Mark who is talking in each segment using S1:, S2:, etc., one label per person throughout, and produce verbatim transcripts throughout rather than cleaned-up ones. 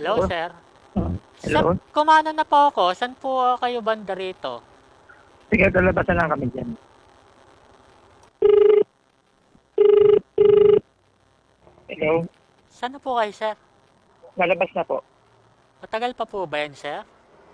S1: Hello,
S2: Hello?
S1: sir. Sir,
S2: Hello?
S1: kumana na po ako. Saan po kayo banda rito?
S2: Sige, lalabasan lang kami dyan. Hello?
S1: Saan na po kayo, sir?
S2: Lalabas na po.
S1: Matagal pa po ba yan, sir?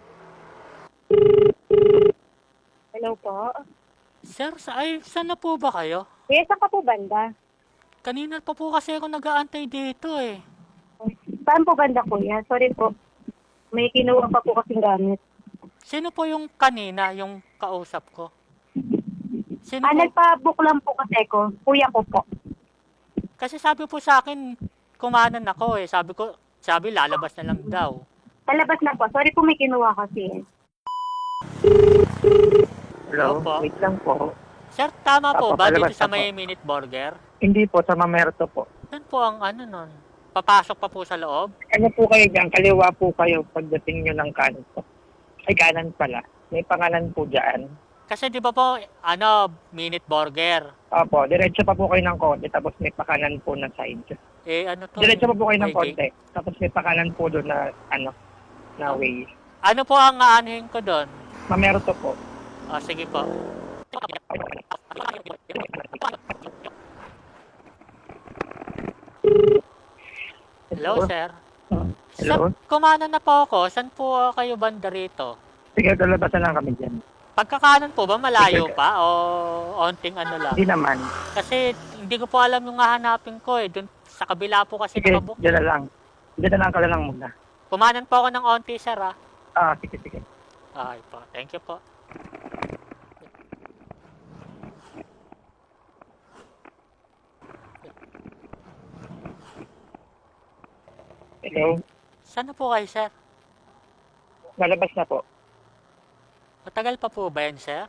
S3: Hello po.
S1: Sir, sa, ay, saan na po ba kayo?
S3: Kuya, saan ka po banda?
S1: Kanina pa po kasi ako nag-aantay dito eh.
S3: Saan po banda, kuya? Sorry po. May kinuha pa po kasing gamit.
S1: Sino po yung kanina, yung kausap ko? Sino
S3: Ah,
S1: po?
S3: nagpa-book lang po kasi ko. Kuya ko po.
S1: Kasi sabi po sa akin, kumanan ako eh. Sabi ko, sabi lalabas na lang daw.
S3: Talabas na po. Sorry po, may kinuha kasi.
S2: Hello?
S1: Opo.
S2: Wait lang po.
S1: Sir, tama po
S2: Apo,
S1: ba dito
S2: palabas
S1: sa
S2: na po.
S1: may Minute Burger?
S2: Hindi po, sa Mamerto po.
S1: Saan po ang ano nun? Papasok pa po sa loob?
S2: Ano po kayo dyan? Kaliwa po kayo pagdating nyo ng kanan po. Ay, kanan pala. May pangalan po dyan.
S1: Kasi di ba po, ano, Minute Burger?
S2: Opo, diretso pa po kayo ng konti, tapos may pakanan po na side.
S1: Eh, ano to?
S2: Diretso pa po kayo ng
S1: May
S2: konti, tapos may pakanan po doon na, ano, na way.
S1: Ano po ang aanuhin ko doon?
S2: Mamerto po.
S1: O, sige po. Hello, sir. Sir,
S2: Hello?
S1: kumana na po ako. Saan po kayo banda rito?
S2: Sige, lalabasan lang kami dyan.
S1: Pagkakanan po ba malayo pa o onting ano lang?
S2: Hindi naman.
S1: Kasi hindi ko po alam yung hahanapin ko eh. Dun, sa kabila po kasi
S2: Sige,
S1: nakabook.
S2: dyan na lang. Dyan na lang ka na lang muna.
S1: Kumanan po ako ng onti, sir, ah.
S2: Ah, sige, sige.
S1: Okay po. Thank you po.
S2: Hello?
S1: Saan na po kayo, sir?
S2: Lalabas na po.
S1: Matagal pa po ba yan, sir?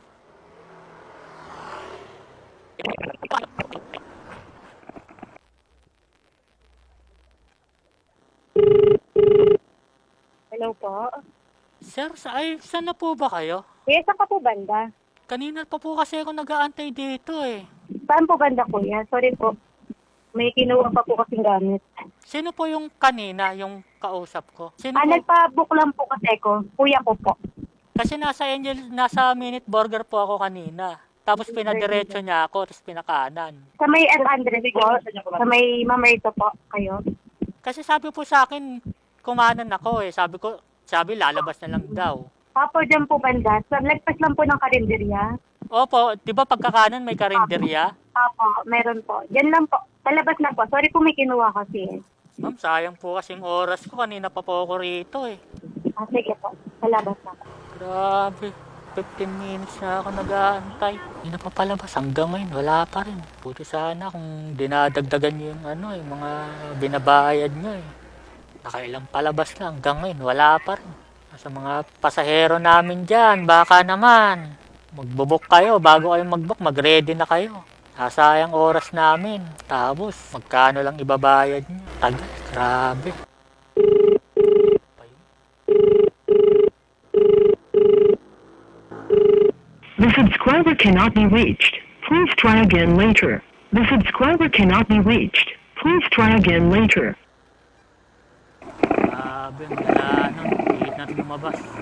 S3: Hello po.
S1: Sir, sa, ay, saan na po ba kayo?
S3: Kuya, saan ka po banda?
S1: Kanina pa po kasi ako nag-aantay dito eh.
S3: Saan po banda, kuya? Sorry po. May kinuha pa po kasing gamit.
S1: Sino po yung kanina, yung kausap ko? Sino
S3: Ah,
S1: po?
S3: nagpa-book lang po kasi ko. Kuya ko po.
S1: Kasi nasa Angel, nasa Minute Burger po ako kanina. Tapos pinadiretso niya ako, tapos pinakanan.
S3: Sa may F one hundred po. Sa may Mamerto po kayo.
S1: Kasi sabi po sa akin, kumanan ako eh. Sabi ko, sabi lalabas na lang daw.
S3: Apo, dyan po banda. Sa lagpas lang po ng karinderya.
S1: Opo, di ba pagkakanan may karinderya?
S3: Apo, meron po. Diyan lang po. Talabas na po. Sorry po, may kinuha kasi.
S1: Ma'am, sayang po kasing oras ko. Kanina pa po ako rito eh.
S3: Ah, sige po. Talabas na po.
S1: Grabe. fifteen minutes na ako nag-aantay. Hindi na papalabas. Hanggang ngayon, wala pa rin. Buti sana kung dinadagdagan niyo yung ano, yung mga binabayad niyo eh. Nakailang palabas lang. Hanggang ngayon, wala pa rin. Sa mga pasahero namin dyan, baka naman. Magbubok kayo. Bago kayo magbook, mag-ready na kayo. Nasayang oras namin. Tapos, magkano lang ibabayad niyo. Tagal. Grabe.
S4: The subscriber cannot be reached. Please try again later. The subscriber cannot be reached. Please try again later.
S1: Grabe. Wala nang. Hihit natin lumabas.